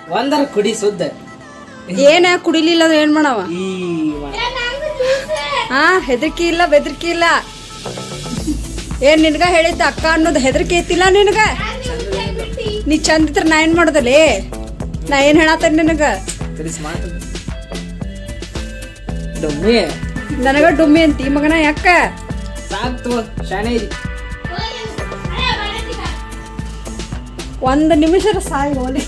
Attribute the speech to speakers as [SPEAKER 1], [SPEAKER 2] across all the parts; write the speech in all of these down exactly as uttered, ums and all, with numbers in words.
[SPEAKER 1] ಒಂದರ ಕುಡಿ ಸುದ್ದ.
[SPEAKER 2] ಏನ ಕುಡಿಲಿಲ್ಲ ಅಂದ್ರೆ ಏನ್ ಮಾಡವ?
[SPEAKER 1] ಈ
[SPEAKER 2] ಹಾ ಹೆದರ್ಕಿ ಇಲ್ಲ ಬೆದರ್ಕಿ ಇಲ್ಲ. ಏನ್ ನಿನ್ಗ ಹೇಳಿದ್ದ ಅಕ್ಕ ಅನ್ನೋದು ಹೆದರ್ಕಿ ಐತಿಲ್ಲ ನಿನಗ? ನೀ ಚಂದ ಇದ್ರ ನಾ ಏನ್ ಮಾಡೋದಲ್ಲಿ? ನಾ ಏನ್ ಹೇಳತ್ತೇನೆ ನಿನಗ?
[SPEAKER 1] ಡೊಮ್ಮಿ
[SPEAKER 2] ನನಗ ಡುಮ್ಮಿ ಅಂತಿ ಮಗನ ಯಾಕ?
[SPEAKER 1] ಸಾಕ್ತು ಶಾಣೆ ಇದಿ.
[SPEAKER 2] ಒಂದ್ ನಿಮಿಷ ಸಾಯಿ ಹೋಲಿ.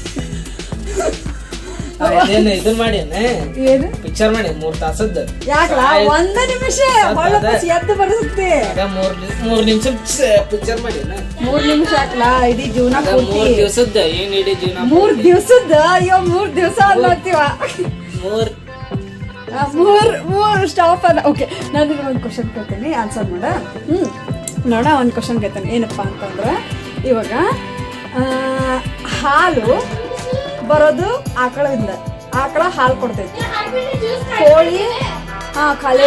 [SPEAKER 1] ಏನು ಇದನ್ ಮಾಡಿ
[SPEAKER 2] ಏನು
[SPEAKER 1] ಪಿಕ್ಚರ್ ಮಾಡಿ ಮೂರ್ ತಾಸದ್ದು.
[SPEAKER 2] ಯಾಕಲ ಒಂದ ನಿಮಿಷ ಎದ್ದು ಬರಸುತ್ತೆ.
[SPEAKER 1] ಮೂರ್ ಮೂರ್ ನಿಮಿಷ ಪಿಕ್ಚರ್ ಮಾಡಿ
[SPEAKER 2] ಮೂರ್ ನಿಮಿಷ ಹಾಕ್ಲ ಇಡೀ ಜೀವನ
[SPEAKER 1] ಮೂರ್ ದಿವಸದ ಏನ್ ಇಡೀ ಜೀವನ
[SPEAKER 2] ಮೂರ್ ದಿವ್ಸದ. ಅಯ್ಯೋ ಮೂರ್ ದಿವ್ಸ ಅಲ್ಲತ್ತೀವ.
[SPEAKER 1] ಮೂರ್
[SPEAKER 2] ಮೂರ್ ಮೂರ್ ಸ್ಟಾಪ್ ಅಲ್ಲ. ಓಕೆ ನಾನು ಒಂದು ಕ್ವಶನ್ ಕೇಳ್ತೀನಿ, ಆನ್ಸರ್ ಮಾಡ. ಹ್ಮ್ ನೋಡ ಒಂದು ಕ್ವಶನ್ ಕೇಳ್ತೇನೆ. ಏನಪ್ಪಾ ಅಂತಂದ್ರೆ ಇವಾಗ ಹಾಲು ಬರೋದು ಆಕಳದಿಂದ. ಆಕಳ ಹಾಲು ಕೊಡ್ತೈತಿ. ಕೋಳಿ ಹಾ ಖಾಲಿ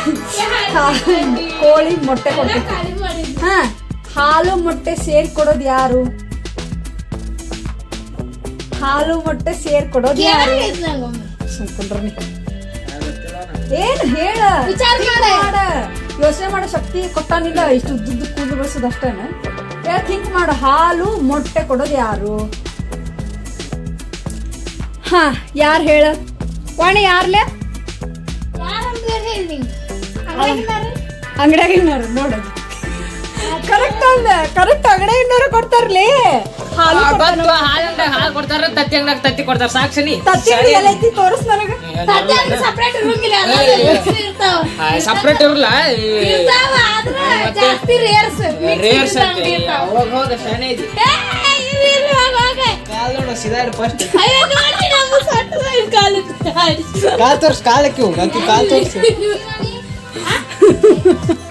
[SPEAKER 2] ಕೋಳಿ ಮೊಟ್ಟೆ ಕೊಡ್ತೈತಿ. ಹಾ ಹಾಲು ಮೊಟ್ಟೆ ಸೇರ್ ಕೊಡೋದು ಯಾರು? ಹಾಲು ಮೊಟ್ಟೆ ಸೇರ್ ಕೊಡೋದು ಯಾರು? ಸುಮ್ಕೊಂಡ್ರಿ ಏನ್ ಹೇಳ, ಯೋಚನೆ ಮಾಡೋ ಶಕ್ತಿ ಕೊಟ್ಟಾನಿಲ್ಲ. ಇಷ್ಟು ಉದ್ದುದ್ದು ಕೂದಲು ಬೆಳೆಸೋದು ಅಷ್ಟೇನ? ಥಿಂಕ್ ಮಾಡು. ಹಾಲು ಮೊಟ್ಟೆ ಕೊಡೋದು ಯಾರು? ಹಾ ಯಾರು ಹೇಳ ವಾಣಿ? ಯಾರ್ಲೆ ಅಂಗಡಿಯಾಗಿನವ್ರು ನೋಡೋದು ಕರೆಕ್ಟ್ ಅಲ್ಲ. ಕರೆಕ್ಟ್ ಅಂಗಡಿಯಾಗಿನವ್ರು ಕೊಡ್ತಾರ್ಲಿ ಹಾಲು.
[SPEAKER 1] ಹಾಲು ಕೊಡ್ತಾರ, ತತ್ತಿ ಅಂಗಡಿಯಾಗ ತತ್ತಿ ಕೊಡ್ತಾರ. ಸಾಕ್ಷಿ
[SPEAKER 2] ತತ್ತಿ ಎಲ್ಲೈತಿ ತೋರಿಸ್ ನನಗ.
[SPEAKER 1] ಸಪ್ರೇಟ್ ಇರಲ್ಲ, ರೇರ್ಸ್ ಅವಾಗ ಹೋಗ ಶಾಣೆ ಇದಿ. ಕಾಲ್ ನೋಡ ಸೀದಾ ಫಸ್ಟ್ ಕಾಲ್ ತೋರ್ಸ್. ಕಾಲಕ್ಕೆ ಹೋಗ ಕಾಲ್ ತೋರ್ಸ್.